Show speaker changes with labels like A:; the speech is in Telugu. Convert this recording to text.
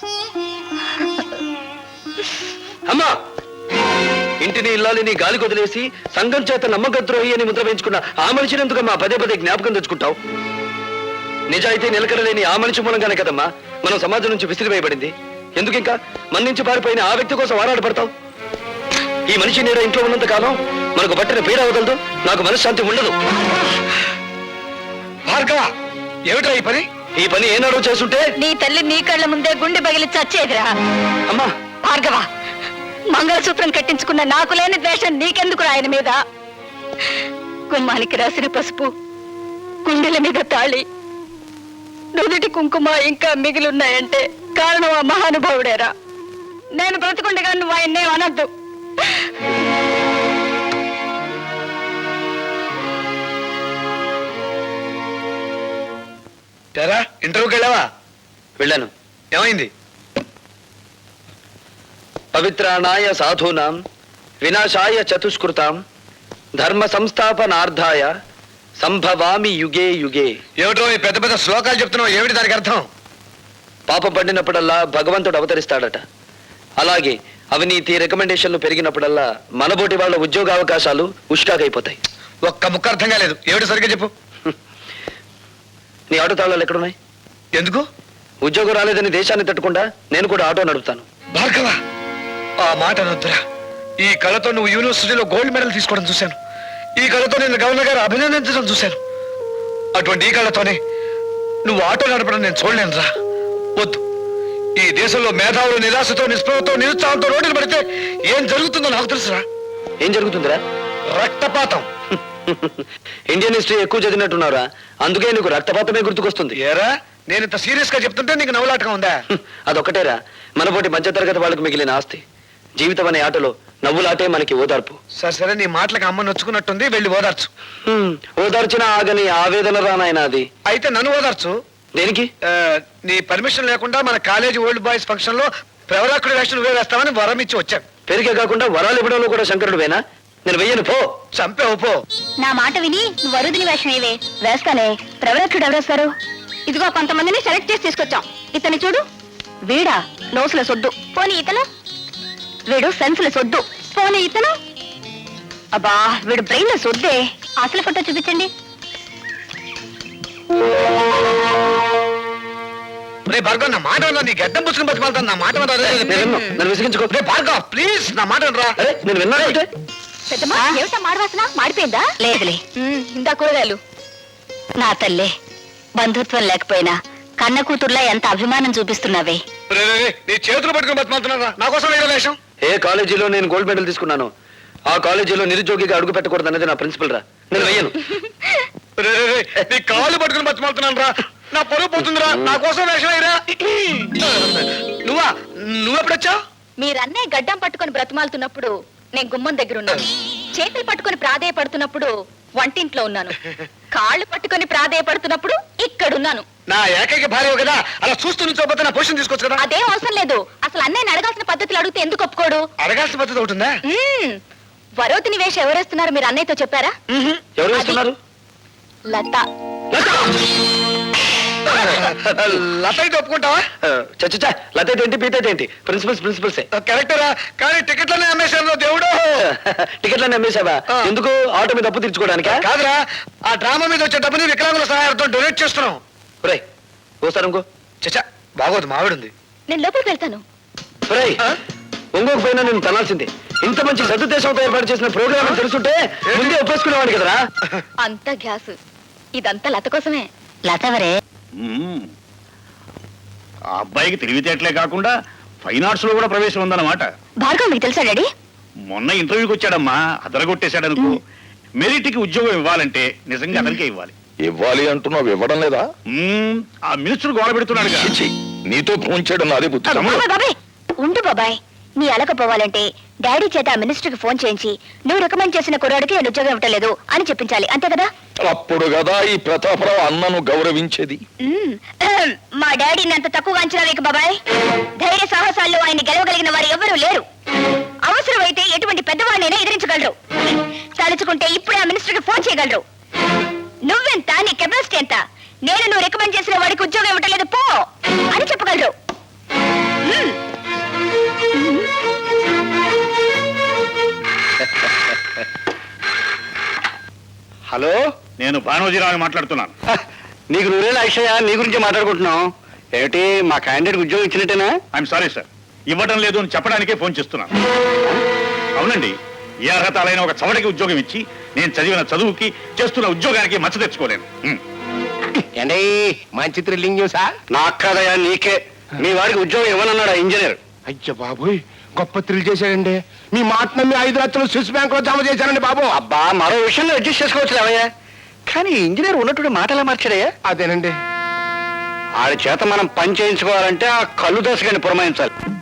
A: అమ్మా, ఇంటిని ఇల్లాలిని గాలి కొదిలేసి సంఘం చేత నమ్మకద్రోహి అని ముద్ర వేయించుకున్న ఆ మనిషిని ఎందుకమ్మా పదే పదే జ్ఞాపకం తెచ్చుకుంటావు? నిజాయితీ నిలకడలేని ఆ మనిషి మూలంగానే కదమ్మా మనం సమాజం నుంచి విసిరివేయబడింది. ఎందుకు ఇంకా మన నుంచి పారిపోయిన ఆ వ్యక్తి కోసం ఆరాటపడతావు? ఈ మనిషి నీడ ఇంట్లో ఉన్నంత కాలం మనకు పట్టిన పీడ అవగలదు, నాకు మనశ్శాంతి ఉండదు.
B: భార్గవ, ఏమిట్రా ఈ పని
A: ఏనాడో చేస్తుంటే
C: నీ తల్లి నీ కళ్ళ ముందే గుండె బగిలి చచ్చేదిరా.
A: అమ్మా
C: భార్గవ, మంగళసూత్రం కట్టించుకున్న నాకు లేని ద్వేషం నీకెందుకు ఆయన మీద? గుమ్మానికి రాసిన పసుపు, గుండెల మీద తాళి, నుదుటి కుంకుమ ఇంకా మిగిలిన్నాయంటే కారణం ఆ మహానుభావుడేరా. నేను బ్రతుకుండగా నువ్వు ఆయన్నే అనద్దు.
B: ఇంటర్వ్యూకి వెళ్ళావా?
A: వెళ్ళాను.
B: ఏమైంది?
A: పవిత్రాణాయ సాధూనాం వినాశాయ చతుష్కృతాం ధర్మ సంస్థాపనార్థాయ సంభవామి యుగే యుగే.
B: ఏమిటో ఈ పెద్ద పెద్ద శ్లోకాలు చెప్తున్నావు, ఏమిటి దానికి అర్థం?
A: పాపం పడినప్పుడల్లా భగవంతుడు అవతరిస్తాడట. అలాగే అవినీతి రికమెండేషన్లు పెరిగినప్పుడల్లా మనబోటి వాళ్ళ ఉద్యోగ అవకాశాలు ఉష్కాకైపోతాయి.
B: ఒక్క ముక్క అర్థం కాలేదు, ఏమిటి సరిగ్గా చెప్పు.
A: నీ ఆటో తాళాలు ఎక్కడున్నాయి?
B: ఎందుకు?
A: ఉద్యోగం రాలేదని దేశాన్ని తట్టుకుండా నేను కూడా ఆటో నడుపుతాను.
B: భార్గవ, ఆ మాట అనొద్దురా. ఈ కళతో నువ్వు యూనివర్సిటీలో గోల్డ్ మెడల్ తీసుకోవడం చూశాను. ఈ కళతో నేను గవర్నర్ గారు అభినందించడం చూశాను. అటువంటి ఈ కళతోనే నువ్వు ఆటో నడపడం నేను చూడలేనురా. వద్దు. ఈ దేశంలో మేధావులు నిరాశతో, నిస్పృహతో, నిరుత్సాహంతో రోడ్డులు పడితే ఏం జరుగుతుందో నాకు తెలుసురా.
A: ఏం జరుగుతుందిరా?
B: రక్తపాతం.
A: ఇండియన్ హిస్టరీ ఎక్కువ చదివినట్టున్నారా, అందుకే నీకు రక్తపాతమే గుర్తుకొస్తుంది.
B: ఏరా, నేను ఇంత సీరియస్ గా చెప్తుంటే నీకు నవ్వులాటగా ఉందా?
A: అదొక్కటేరా మనపోటి మధ్యతరగతి వాళ్ళకు మిగిలిన ఆస్తి. జీవితం అనే ఆటలో నవ్వులాటే మనకి ఓదార్పు.
B: సరే, నీ మాటలకు అమ్మ నొచ్చుకున్నట్టుంది, వెళ్ళి ఓదార్చు.
A: ఓదార్చిన ఆగని ఆవేదన రానాయన అది.
B: అయితే నన్ను ఓదార్చు.
A: దేనికి?
B: నీ పర్మిషన్ లేకుండా మన కాలేజీ ఓల్డ్ బాయ్స్ ఫంక్షన్ లో ప్రవరాకుడి వేషం నువ్వే వేస్తామని వరం ఇచ్చి వచ్చాను.
A: పెరిగే కాకుండా వరాలు ఇవ్వడంలో కూడా శంకరుడు వేనా? నేను వెయ్యను, పో.
B: చంపేవు, పో.
C: నా మాట విని నువ్వు వరుదిని వేషం ఏవే వేస్తానే. ప్రవరక్షుడు ఎవరేస్తారు? ఇదిగో కొంతమందిని సెలెక్ట్ చేసి తీసుకొచ్చాం. ఇతని చూడు, వీడా నోసుల సొద్దు. పోనీ ఇతను, వీడు సెన్సుల సొద్దు. పోనీ ఇతను, అబ్బా వీడు బ్రెయిన్ లో సొద్దే. అసలు ఫోటో చూపించండి.
B: భార్గవ్, నా మాట నీ గడ్డం పుచ్చుకుని బతిమాలుతాను. నా మాట
A: నన్ను విసిగించుకో.
B: భార్గవ్ ప్లీజ్, నా మాట రా.
A: నేను విన్నాను.
C: పెద్దమ్మా, ఏమిటా మాడవాసన? మాడిపోయిందా? లేదులే, ఇందా కూరగాయలు. నా తల్లే, బంధుత్వం లేకపోయినా కన్న కూతుర్లా ఎంత అభిమానం చూపిస్తున్నావే.
B: నీ చేతులు పట్టుకుని బతిమాలుతున్నారా? నా కోసం వేషం.
A: ఏ కాలేజీలో నేను గోల్డ్ మెడల్ తీసుకున్నాను, ఆ కాలేజీలో నిరుద్యోగిగా అడుగు పెట్టకూడదు అనేది నా ప్రిన్సిపల్ రా. నేను వెయ్యను.
B: నీ కాళ్ళు పట్టుకుని బతిమాలుతున్నాను రా. నా పరువు పోతుందిరా. నా కోసం వేషం అయ్యరా. నువ్వెప్పుడొచ్చావు?
C: మీరన్నే గడ్డం పట్టుకొని బ్రతిమాలుతున్నప్పుడు నేను గుమ్మం దగ్గర ఉన్నాను. చేతులు పట్టుకొని ప్రాధేయపడుతున్నప్పుడు వంటింట్లో ఉన్నాను. కాళ్ళు పట్టుకొని ప్రాధేయపడుతున్నప్పుడు ఇక్కడున్నాను.
B: నా ఏకైక భార్య కదా, అలా చూస్తూ నుంచోపోతే నా పొజిషన్ తీసుకోవచ్చు కదా.
C: అదేం అవసరం లేదు. అసలు అన్నయ్యని అడగాల్సిన పద్ధతులు అడిగితే ఎందుకు ఒప్పుకోడు?
B: అడగాల్సిన పద్ధతి ఉంటుందా?
C: వరోతిని వేషం ఎవరేస్తున్నారు మీరు అన్నయ్యతో చెప్పారా?
A: ఎవరు వేస్తున్నారు?
C: లత.
B: లత అయితే ఒప్పుకుంటావా?
A: చచ్చా, లత ఏంటి, పీత ఏంటి? ప్రిన్సిపల్సే.
B: కరెక్టరా, కానీ టికెట్లనే అమ్మేశాను దేవుడు.
A: టికెట్లన్నీ అమ్మేశావా? ఎందుకు? ఆటో మీద అప్పు తీర్చుకోవడానికి
B: కాదురా, ఆ డ్రామా మీద వచ్చే డబ్బుని వికలాంగుల సహాయంతో డొనేట్ చేస్తున్నాం.
A: ఓసారి ఇంకో.
B: చచ్చా, బాగోదు, మావిడుంది.
C: నేను లోపలికి వెళ్తాను.
A: ఇంకొక పైన నేను తనాల్సిందే. ఇంత మంచి సదుద్దేశంతో ఏర్పాటు చేసిన ప్రోగ్రామ్ తెలుసుంటే ముందే ఒప్పేసుకునేవాడి కదరా.
C: అంత గ్యాస్, ఇదంతా లత కోసమే. లత ఎవరే?
D: ఆ అబ్బాయికి తెలివితేటలే కాకుండా ఫైన్ ఆర్ట్స్ లో కూడా ప్రవేశం ఉందన్నమాట.
C: భార్గవ్ మీకు తెలుసా డాడీ?
D: మొన్న ఇంటర్వ్యూకి వచ్చాడమ్మా, అదరగొట్టేశాడు అనుకో. మెరిట్ కి ఉద్యోగం ఇవ్వాలంటే నిజంగా అతనికే ఇవ్వాలి.
E: ఇవ్వాలి అంటున్నావు, ఇవ్వడం లేదా?
D: ఆ మినిస్టర్ గోడ పెడుతున్నాడు.
E: నీతో ఫోన్ చేయడం నాదే బుద్ధి.
C: ఉండు బాబాయ్, నీ అలకపోవాలంటే డాడీ చేత ఆ మినిస్టర్ కి ఫోన్ చేయించి నువ్వు రికమెండ్ చేసిన కుర్రాడికి నేను ఉద్యోగం ఇవ్వట్లేదు అని చెప్పించాలి, అంతే కదా?
E: అప్పుడు కదా ఈ ప్రతాపరావు అన్నను గౌరవించేది.
C: మా డాడీని అంత తక్కువగా అంచనా వేయకు బాబాయ్. ధైర్య సాహసాల్లో ఆయన గెలవగలిగిన వారు ఎవరూ లేరు. అవసరమైతే ఎటువంటి పెద్దవాడినైనా ఎదిరించగలరు. తలుచుకుంటే ఇప్పుడే ఆ మినిస్టర్ కి ఫోన్ చేయగలరు. నువ్వెంత, నీ కెపాసిటీ ఎంత, నేను నువ్వు రికమెండ్ చేసిన వాడికి ఉద్యోగం ఇవ్వట్లేదు పో అని చెప్పగలరు.
A: హలో,
D: నేను భానోజీరావు మాట్లాడుతున్నాను.
A: నీకు నూరేళ్ళ అక్షయ, నీ గురించి మాట్లాడుకుంటున్నాం. ఏమిటి, మా క్యాండిడేట్ ఉద్యోగం ఇచ్చినట్టేనా?
D: ఐఎమ్ సారీ సార్, ఇవ్వడం లేదు అని చెప్పడానికే ఫోన్ చేస్తున్నాను. అవునండి, ఏ అర్హత అయిన ఒక చవటకి ఉద్యోగం ఇచ్చి నేను చదివిన చదువుకి చేస్తున్న ఉద్యోగానికి మచ్చ తెచ్చుకోలేను.
F: ఏండి మంచి థ్రిల్లింగ్ న్యూసా?
A: నాకు కాదయా, నీకే. మీ వాడికి ఉద్యోగం ఇవ్వనన్నాడు ఆ ఇంజనీర్.
F: అయ్య బాబోయ్, గొప్ప థ్రిల్ చేశాడండి. మీ మాట నమ్మి 5 లక్షలు స్విస్ బ్యాంక్ లో జమ చేశానండి బాబు.
A: అబ్బా, మరో విషయంలో అడ్జస్ట్ చేసుకోవచ్చు అవయ్యా. కానీ ఇంజనీర్ ఉన్నట్టు మాటలా మార్చాడయ్యా.
F: అదేనండి.
A: ఆడి చేత మనం పని చేయించుకోవాలంటే ఆ కళ్ళు దశగాని పురమాయించాలి.